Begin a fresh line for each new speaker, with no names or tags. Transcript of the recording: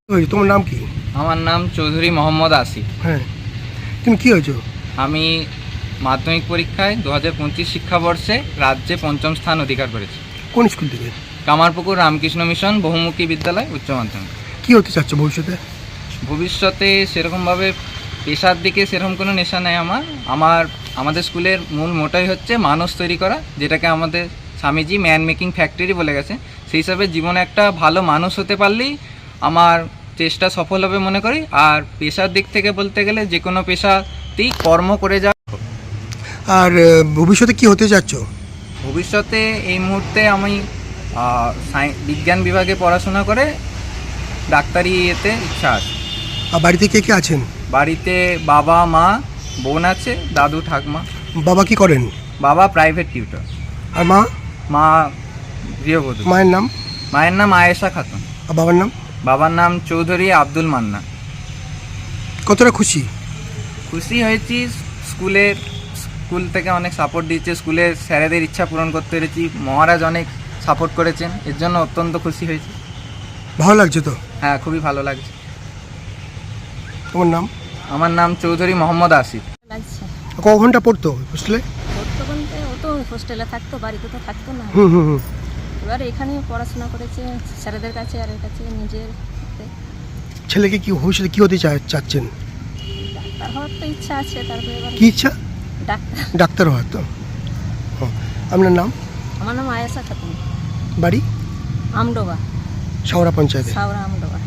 তোমার নাম কি?
আমার নাম চৌধুরী মোহাম্মদ আসিফ।
হ্যাঁ, তুমি কি হয়েছো?
আমি মাধ্যমিক পরীক্ষায় 2025 শিক্ষাবর্ষে রাজ্যে 5ম স্থান অধিকার করেছি।
কোন স্কুল থেকে?
কামারপুকুর রামকৃষ্ণ মিশন বহুমুখী বিদ্যালয় উচ্চ মাধ্যমিক।
কি হতে চাচ্ছ ভবিষ্যতে?
ভবিষ্যতে সেরকমভাবে পেশার দিকে সেরকম কোনো নেশা নেই আমাদের স্কুলের মূল মোটাই হচ্ছে মানুষ তৈরি করা, যেটাকে আমাদের স্বামীজি ম্যান মেকিং ফ্যাক্টরি বলে গেছে। সেই হিসাবে জীবনে একটা ভালো মানুষ হতে পারলেই আমার চেষ্টা সফল হবে মনে করি। আর পেশার দিক থেকে বলতে গেলে যে কোনো পেশাতেই কর্ম করে যাওয়া।
আর ভবিষ্যতে কি হতে চাচ্ছ?
ভবিষ্যতে এই মুহূর্তে আমি বিজ্ঞান বিভাগে পড়াশোনা করে ডাক্তারি এতে ইচ্ছা আছে।
আর বাড়িতে কে কে আছেন?
বাড়িতে বাবা মা বোন আছে, দাদু ঠাকমা।
বাবা কি করেন?
বাবা প্রাইভেট টিউটর।
আর মা?
মা গৃহবধূ।
মায়ের নাম?
মায়ের নাম আয়েশা খাতুন।
আর বাবার নাম?
বাবার নাম চৌধুরী আব্দুল মান্না।
কতটা খুশি?
খুশি হয়েছি, স্কুল থেকে অনেক সাপোর্ট দিয়েছে, স্কুলের স্যারেদের ইচ্ছা পূরণ করতে পেরেছি, মহারাজ অনেক সাপোর্ট করেছেন, এর জন্য অত্যন্ত খুশি হয়েছি।
ভালো লাগছে তো?
হ্যাঁ, খুবই ভালো লাগছে।
তোমার নাম?
আমার নাম চৌধুরী মোহাম্মদ আসিফ।
লাগছে
ক ঘন্টা পড়তো হোস্টেলে?
পড়তো বলতে ও তো হোস্টেলে থাকতো, বাড়িতে তো থাকতো না।
হুম।
এবার এখানে পড়াশোনা করেছে স্যারেদের কাছে আর এর কাছে নিজের হাতে।
ছেলেকে কি ভবিষ্যতে কি হতে চাচ্ছেন?
ডাক্তার হওয়ার তো ইচ্ছা আছে, তারপরে এবার
কি ইচ্ছা?
ডাক্তার।
ডাক্তার হওয়ার তো। আপনার নাম?
আমার নাম আয়েশা খাতুন।
বাড়ি?
আমডোবা,
শাওরা পঞ্চায়েতে।
সাওরা আমডোবা।